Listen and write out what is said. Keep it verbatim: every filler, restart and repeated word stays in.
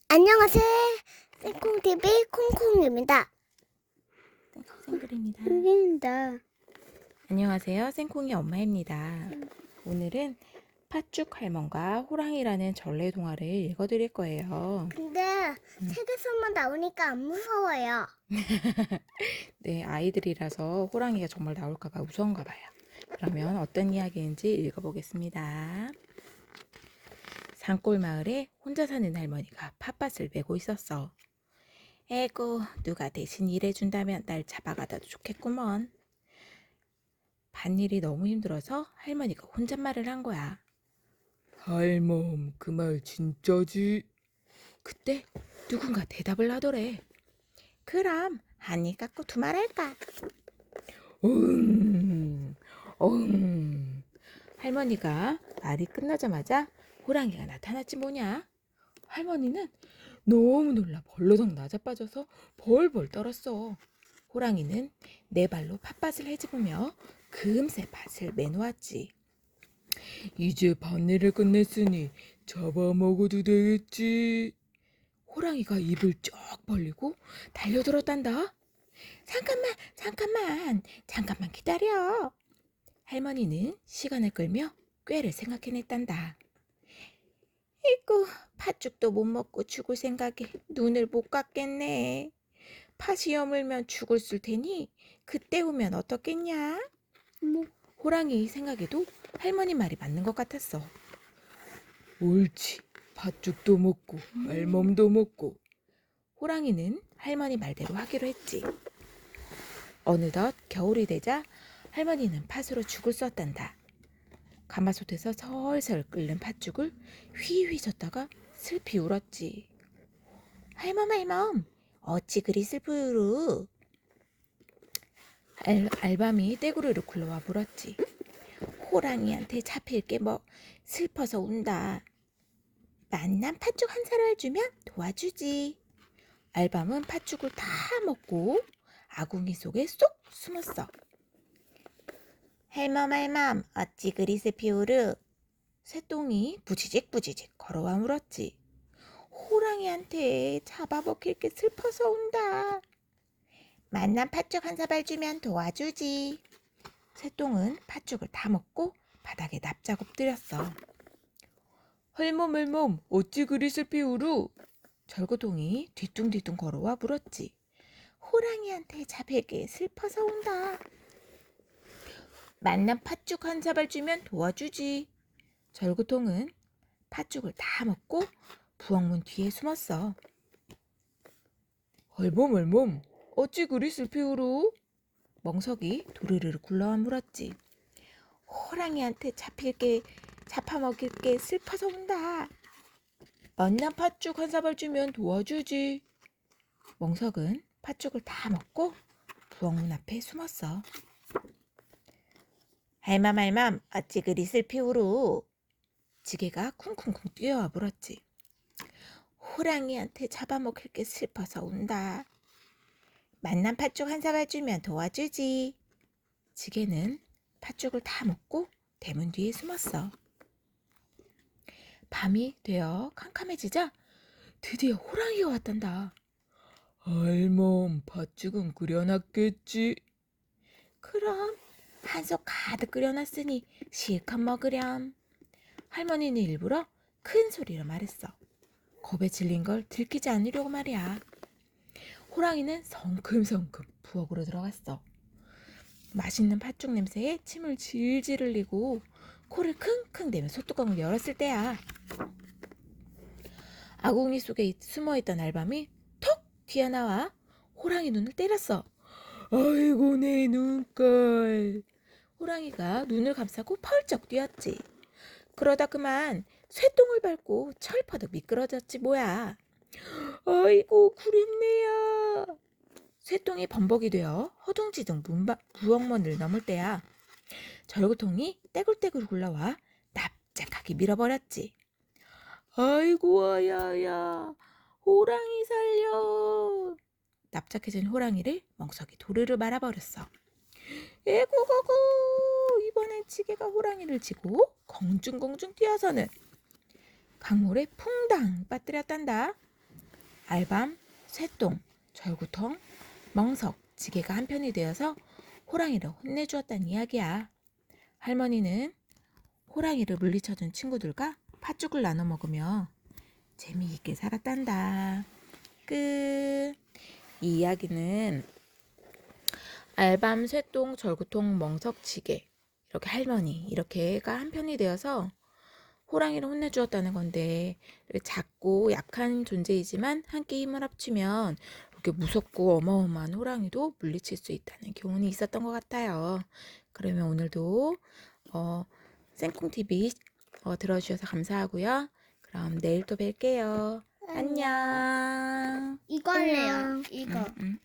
안녕하세요. 생콩티비 콩콩입니다. 생글입니다. 생콩입니다. 안녕하세요. 생콩이 엄마입니다. 오늘은 팥죽 할멈과 호랑이라는 전래 동화를 읽어드릴 거예요. 근데 음. 책에서만 나오니까 안 무서워요. 네, 아이들이라서 호랑이가 정말 나올까봐 무서운가 봐요. 그러면 어떤 이야기인지 읽어보겠습니다. 산골 마을에 혼자 사는 할머니가 팥밭을 메고 있었어. 에고, 누가 대신 일해준다면 날 잡아가다도 좋겠구먼. 밭일이 너무 힘들어서 할머니가 혼잣말을 한 거야. 할멈, 그 말 진짜지? 그때 누군가 대답을 하더래. 그럼 한입 갖고 두 말 할까? 응, 응. 할머니가 말이 끝나자마자 호랑이가 나타났지 뭐냐? 할머니는 너무 놀라 벌러덩 나자빠져서 벌벌 떨었어. 호랑이는 네 발로 팥밭을 헤집으며 금세 밭을 매놓았지. 이제 밭일을 끝냈으니 잡아먹어도 되겠지. 호랑이가 입을 쩍 벌리고 달려들었단다. 잠깐만, 잠깐만, 잠깐만 기다려. 할머니는 시간을 끌며 꾀를 생각해냈단다. 이고 팥죽도 못 먹고 죽을 생각에 눈을 못 감겠네. 팥이 여물면 죽을 술 테니 그때 오면 어떻겠냐? 뭐 호랑이 생각에도 할머니 말이 맞는 것 같았어. 옳지. 팥죽도 먹고 알몸도 먹고. 호랑이는 할머니 말대로 하기로 했지. 어느덧 겨울이 되자 할머니는 팥으로 죽을 썼단다. 가마솥에서 설설 끓는 팥죽을 휘휘 젓다가 슬피 울었지. 할멈 할멈 어찌 그리 슬프루. 알, 알밤이 떼구르르 굴러와 물었지. 호랑이한테 잡힐 게 뭐 슬퍼서 운다. 만난 팥죽 한 사발 주면 도와주지. 알밤은 팥죽을 다 먹고 아궁이 속에 쏙 숨었어. 할멈 할멈 어찌 그리 슬피우르. 새똥이 부지직 부지직 걸어와 물었지. 호랑이한테 잡아먹힐 게 슬퍼서 온다. 만난 팥죽 한 사발 주면 도와주지. 새똥은 팥죽을 다 먹고 바닥에 납작 엎드렸어. 할멈 할멈 어찌 그리 슬피 우루. 절구동이 뒤뚱뒤뚱 걸어와 물었지. 호랑이한테 잡힐게 슬퍼서 온다. 만난 팥죽 한 사발 주면 도와주지. 절구통은 팥죽을 다 먹고 부엌문 뒤에 숨었어. 할멈 할멈 어찌 그리 슬피 우루. 멍석이 도르르르 굴러와 물었지. 호랑이한테 잡힐게 잡아먹일 게 슬퍼서 온다. 만난 팥죽 한 사발 주면 도와주지. 멍석은 팥죽을 다 먹고 부엌문 앞에 숨었어. 할멈 할멈 어찌 그리 슬피 우루. 지게가 쿵쿵쿵 뛰어와 물었지. 호랑이한테 잡아먹힐 게 슬퍼서 온다. 만난 팥죽 한 사발 주면 도와주지. 지게는 팥죽을 다 먹고 대문 뒤에 숨었어. 밤이 되어 캄캄해지자 드디어 호랑이가 왔단다. 할멈, 팥죽은 끓여놨겠지? 그럼 한솥 가득 끓여놨으니 실컷 먹으렴. 할머니는 일부러 큰 소리로 말했어. 겁에 질린 걸 들키지 않으려고 말이야. 호랑이는 성큼성큼 부엌으로 들어갔어. 맛있는 팥죽 냄새에 침을 질질 흘리고 코를 킁킁 대며 소뚜껑을 열었을 때야. 아궁이 속에 숨어있던 알밤이 톡 튀어나와 호랑이 눈을 때렸어. 아이고 내 눈깔. 호랑이가 눈을 감싸고 펄쩍 뛰었지. 그러다 그만 쇠똥을 밟고 철퍼덕 미끄러졌지 뭐야. 아이고 구린내야. 쇠똥이 범벅이 되어 허둥지둥 문바, 부엌문을 넘을 때야. 절구통이 떼굴떼굴 굴러와 납작하게 밀어버렸지. 아이고 아야야 호랑이 살려. 납작해진 호랑이를 멍석이 도르르 말아버렸어. 에구거구. 이번엔 지게가 호랑이를 지고 공중공중 뛰어서는 강물에 퐁당 빠뜨렸단다. 알밤, 쇠똥, 절구통, 멍석, 지게가 한편이 되어서 호랑이를 혼내주었다는 이야기야. 할머니는 호랑이를 물리쳐준 친구들과 팥죽을 나눠 먹으며 재미있게 살았단다. 끝. 이 이야기는 알밤, 쇠똥, 절구통, 멍석, 지게 이렇게 할머니 이렇게가 한편이 되어서 호랑이를 혼내주었다는 건데, 이렇게 작고 약한 존재이지만 함께 힘을 합치면 이렇게 무섭고 어마어마한 호랑이도 물리칠 수 있다는 교훈이 있었던 것 같아요. 그러면 오늘도 어, 생콩티비 어, 들어주셔서 감사하고요. 그럼 내일 또 뵐게요. 안녕. 이거 할래요. 음, 이거. 음.